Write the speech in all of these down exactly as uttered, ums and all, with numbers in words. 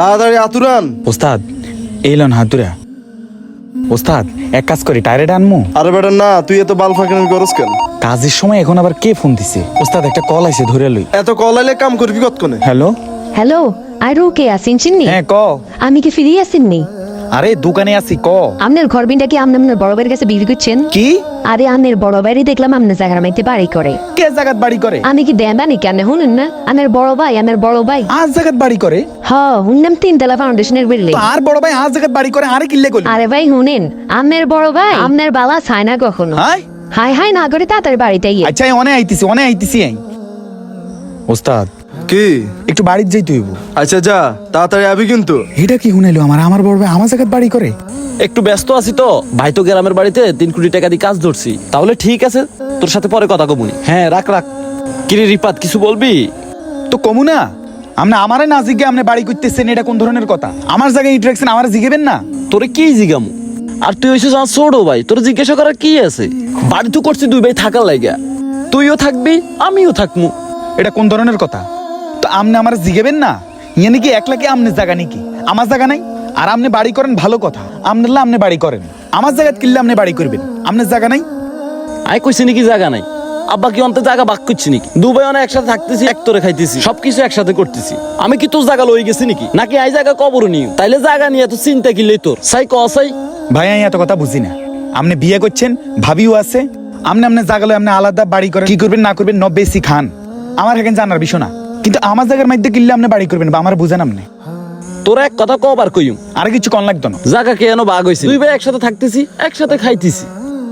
তাড়াতাড়ি আতুরান। ওস্তাদ এইলন হাতুরা। ওস্তাদ এক কাজ করি টায়ারে আনমু। আরে বেটা না, তুই এত বাল ফাঁকানি করস কেন? কাজের সময় এখন আবার কে ফোন দিছে? ওস্তাদ একটা কল আইছে ধরে লই। এত কল আইলে কাম করবি কতক্ষণে? হ্যালো হ্যালো আর কে আছেন চিননি? হ্যাঁ ক। আমি কি ফিরে আসেননি? আরে দোকানে আছি ক। আপনার ঘর বিনটা কি আপনি আপনার বড় ভাইয়ের কাছে বিক্রি করছেন? কি? আরে আপনার বড় ভাইরই দেখলাম আপনার জায়গার মাইতে বাড়ি করে। কে জায়গাত বাড়ি করে? আমি কি দেবানি কেন শুনুন না? আপনার বড় ভাই আপনার বড় ভাই আজ জায়গাত বাড়ি করে? হ্যাঁ শুনলাম তিনতলা ফাউন্ডেশনের বিল্ডিং। আর বড় ভাই আজ জায়গাত বাড়ি করে আরে কিল্লে কইলি? আরে ভাই শুনেন, আপনার বড় ভাই আপনার বালা ছায় না কখনো। হাই হাই হাই না করে তাড়াতাড়ি বাড়িতে গিয়ে। আচ্ছা অনে আইতিছি অনে আইতিছি আই। ওস্তাদ কি? একটু বাড়িতে যাইতে হইব। আচ্ছা যা, তাড়াতাড়ি আবি কিন্তু। এটা কি শুনাইলো আমার আমার বড় ভাই আমার জায়গাত বাড়ি করে? একটু ব্যস্ত আছি তো ভাই, তো গ্রামের বাড়িতে তিন কোটি টাকা দিয়ে কাজ ধরছি। তাহলে ঠিক আছে, তোর সাথে পরে কথা কমুনি। হ্যাঁ রাখ রাখ। কিরে রিপাত কিছু বলবি? তো কমু না, আপনি আমারে না জিজ্ঞে আপনি বাড়ি করতেছেন, এটা কোন ধরনের কথা? আমার জায়গায় ইন্টারেকশন আমার জিগেবেন না? তোরে কি জিগামু? আর তুই হইছিস আমার ছোট ভাই, তোর জিজ্ঞাসা করার কি আছে? বাড়ি তো করছি দুই ভাই থাকার লাগা, তুইও থাকবি আমিও থাকমু। এটা কোন ধরনের কথা? তো আপনি আমার জিগেবেন না? ইয়ে নাকি একলা কি আমনের জায়গা নাকি? আমার জায়গা নাই? আর আপনি বাড়ি করেন ভালো কথা, আপনার আপনি বাড়ি করেন, আমার জায়গায় কিনলে আপনি বাড়ি করবেন, আপনার জায়গা নাই? আই কইছি নাকি জায়গা নাই? আব্বা কি অন্তে জায়গা বাক করছি নাকি? দুবাই অনেক একসাথে থাকতেছি, এক তোরে খাইতেছি, সবকিছু একসাথে করতেছি। আমি কি তোর জায়গা লই গেছি নাকি? নাকি আই জায়গা কবর নিও? তাইলে জায়গা নিয়ে তো চিন্তা কিনলেই তোর সাই ক সাই। ভাই আমি এত কথা বুঝি না। আপনি বিয়ে করছেন, ভাবিও আছে, আপনি আপনার জায়গা লই আপনি আলাদা বাড়ি করেন, কি করবেন না করবেন ন বেশি খান আমার এখানে জানার বিষয় না। কিন্তু আমার জায়গার মধ্যে কিনলে আপনি বাড়ি করবেন বা আমার বুঝেন আপনি? তোরা এক কথা কবার কইম, আর কিছু কন লাগতো না। জায়গা কে এনো বাগ হইছে, দুই ভাই একসাথে থাকতেছি, একসাথে খাইতেছি।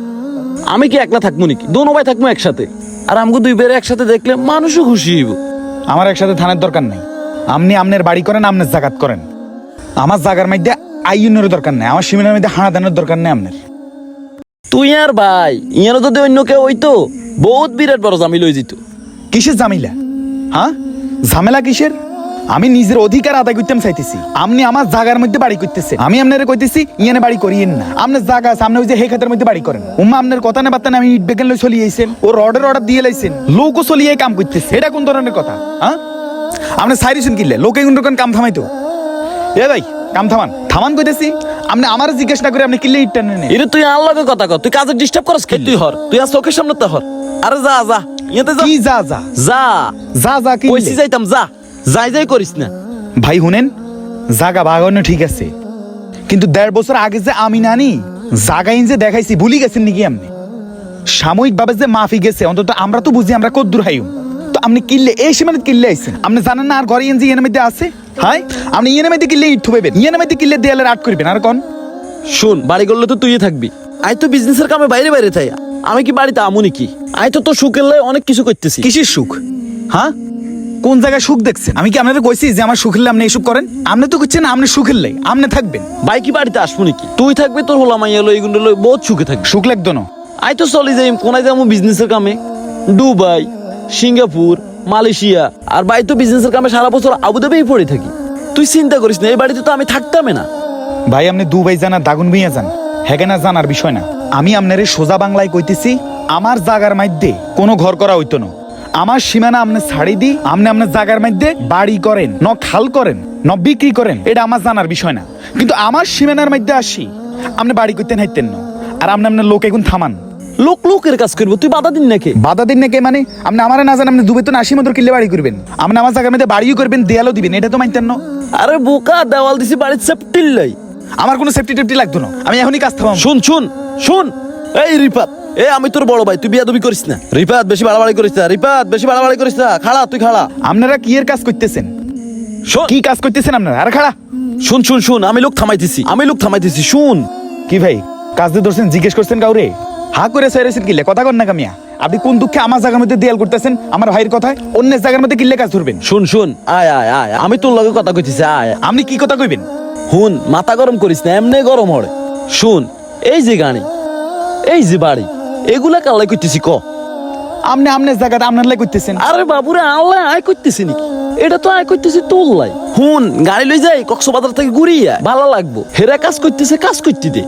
আমি কি একলা থাকবো নাকি? দোনো ভাই থাকবো একসাথে। আর আমগো দুই ভাইয়ের একসাথে দেখলে মানুষও খুশি হইব। আমার একসাথে থানার দরকার নাই। আপনি আপনার বাড়ি করেন, আপনার জাগাত করেন, আমার জায়গার মধ্যে আইনের দরকার নাই, আমার সীমানার মধ্যে হানা দানের দরকার নেই আপনার। তুই আর ভাই ইয়ারও যদি অন্য কেউ হইতো বহুত বিরাট বড় জামিল হয়ে যেত। কিসের ঝামেলা? হ্যাঁ ঝামেলা কিসের? আমি নিজের অধিকার আদায় করতে চাইতেছি, আপনি আমার জায়গার মধ্যে বাড়ি করতেছে, আমি আপনারে কইতেছি ইয়ানে বাড়ি করিয়েন না। আপনার জায়গা সামনে ওই যে হে খাতের মধ্যে বাড়ি করেন। উম্মা আপনার কথা না বার্তা আমি ইট বেগেন লই চলিয়ে আইছেন, ও রডের অর্ডার দিয়ে লাইছেন, লোকও চলিয়ে কাম করতেছে, এটা কোন ধরনের কথা? হ্যাঁ আপনি সাইরিছেন কিনলে লোকে কোন রকম কাম থামাইতো? এ ভাই কাম থামান থামান কইতেছি। আপনি আমার জিজ্ঞেস না করে আপনি কিনলে ইট টানেন। এটা তুই আর লগে কথা কর, তুই কাজে ডিস্টার্ব করস কি? তুই হর, তুই আর চোখের সামনে তো হর। আরে যা যা ইয়াতে যা। কি যা যা যা যা যা কি কইছি যাইতাম, যা যাই যাই করিস না। ভাই শুনেন, জাগা বাগানো ঠিক আছে, কিন্তু দেড় বছর আগে যে আমি নানি জাগাইন যে দেখাইছি ভুলি গেছেন নাকি আপনি? সাময়িক ভাবে যে মাফি গেছে, অন্তত আমরা তো বুঝি আমরা কদ্দুর হাইম। তো আপনি কিনলে এই সীমানে কিনলে আইছেন, আপনি জানেন না আর ঘরে ইয়েন যে ইয়েনের মধ্যে আছে? হাই আপনি ইয়েনের মধ্যে কিনলে ইট থুবেন, ইয়েনের মধ্যে কিনলে দেয়ালে আট করবেন। আর কোন শুন, বাড়ি করলে তো তুই থাকবি, আই তো বিজনেসের কামে বাইরে বাইরে থাই। আমি কি বাড়িতে আমু নাকি? আই তো তোর সুখের লাই অনেক কিছু করতেছি। কিসের সুখ? হ্যাঁ কোন জায়গায় সুখ দেখছেন? আমি কি আপনাদের কইছি যে আমার সুখের লাই আপনি এইসব করেন? আপনি তো করছেন আপনি সুখের লাই আপনি থাকবেন। ভাই কি বাড়িতে আসবো নাকি? তুই থাকবি, তোর হোলা মাইয়া লই এগুলো লই বহুত সুখে থাকবি। সুখ লাগতো না? আই তো চলি যাই কোনায় যাবো বিজনেসের কামে, দুবাই, সিঙ্গাপুর, মালয়েশিয়া। আর ভাই তো বিজনেসের কামে সারা বছর আবুধাবিই পড়ে থাকি। তুই চিন্তা করিস না, এই বাড়িতে তো আমি থাকতামই না। ভাই আপনি দুবাই জানা দাগুন ভাইয়া যান, হেগেনা জানার বিষয় না। আমি আপনারে সোজা বাংলায় কইতেছি, আমার জাগার মধ্যে কোনো ঘর করা হইতো না। আমার সীমানা আপনি ছাড়ি দি, আপনি আপনার জাগার মধ্যে বাড়ি করেন, ন খাল করেন, ন বিক্রি করেন, এটা আমার জানার বিষয় না। কিন্তু আমার সীমানার মধ্যে আসি আপনি বাড়ি করতেন হাইতেন না। আর আপনি আপনার লোক এখন থামান। লোক লোকের কাজ করবো, তুই বাধা দিন নাকি? বাধা দিন নাকি মানে? আপনি আমার না জানেন আপনি দুবে তো আশি মতো কিনলে বাড়ি করবেন, আপনি আমার জায়গার মধ্যে বাড়িও করবেন, দেয়ালও দিবেন, এটা তো মানতেন না। আরে বোকা, দেওয়াল দিছি বাড়ির সেফটির লাই। আমার কোনো সেফটি টেফটি লাগতো না, আমি এখনই কাজ থামাম। শুন শুন শুন, এই রিপাত, এ আমি তোর বড় ভাই, তুই বিয়াদবি করিস না। রিপাত বেশি বাড়াবাড়ি করিস না, রিপাত বেশি বাড়াবাড়ি করিস না। খাড়া তুই খাড়া। আপনারা কি এর কাজ করতেছেন? শোন কি কাজ করতেছেন আপনারা? আরে খাড়া। শুন শুন শুন, আমি লোক থামাইতেছি, আমি লোক থামাইতেছি। শুন কি ভাই কাজ দিয়ে ধরছেন, জিজ্ঞেস করছেন কাউরে? হা করে সাইরেছেন কিলে কথা কন না কামিয়া? আপনি কোন দুঃখে আমার জায়গার মধ্যে দেয়াল করতেছেন আমার ভাইয়ের কথায়? অন্যের জায়গার মধ্যে কিল্লে কাজ ধরবেন? শুন শুন, আয় আয় আয়, আমি তোর লগে কথা কইতেছি, আয়। আপনি কি কথা কইবেন? হুন, মাথা গরম করিস না, এমনি গরম হড়ে। শুন, এই যে গাড়ি, এই যে বাড়ি, এগুলা কালাই করতেছি ক? আপনি আপনার জায়গাটা আপনার লাই করতেছেন। আরে বাবুরে, আল্লাহ আয় করতেছি নাকি? এটা তো আয় করতেছি তোর লাই। হুন, গাড়ি লই যাই কক্সবাজার থেকে ঘুরিয়া ভালো লাগবো। হেরা কাজ করতেছে, কাজ করতে দে,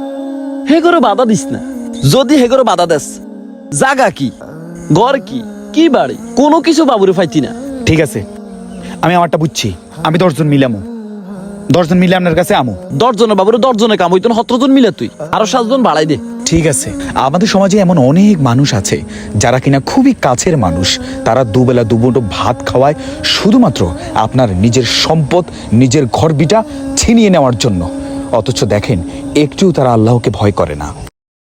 হে করে বাধা দিস না। যদি হে করে বাধা দেস, জাগা কি, ঘর কি, কি বাড়ি, কোনো কিছু বাবুরে ফাইতি না। ঠিক আছে আমি আমারটা বুঝছি, আমি দশজন মিলামো, দশজন মিলে আপনার কাছে আমু। দশজনে বাবুরে দশজনে কাম হইতো না, সতেরো জন মিলে তুই আরো সাতজন বাড়াই দে। ঠিক আছে, আমাদের সমাজে এমন অনেক মানুষ আছে যারা কিনা খুবই কাছের মানুষ, তারা দুবেলা দুমুঠো ভাত খাওয়ায় শুধুমাত্র আপনার নিজের সম্পদ, নিজের ঘর বিটা ছিনিয়ে নেওয়ার জন্য। অথচ দেখেন একটুও তারা আল্লাহকে ভয় করে না।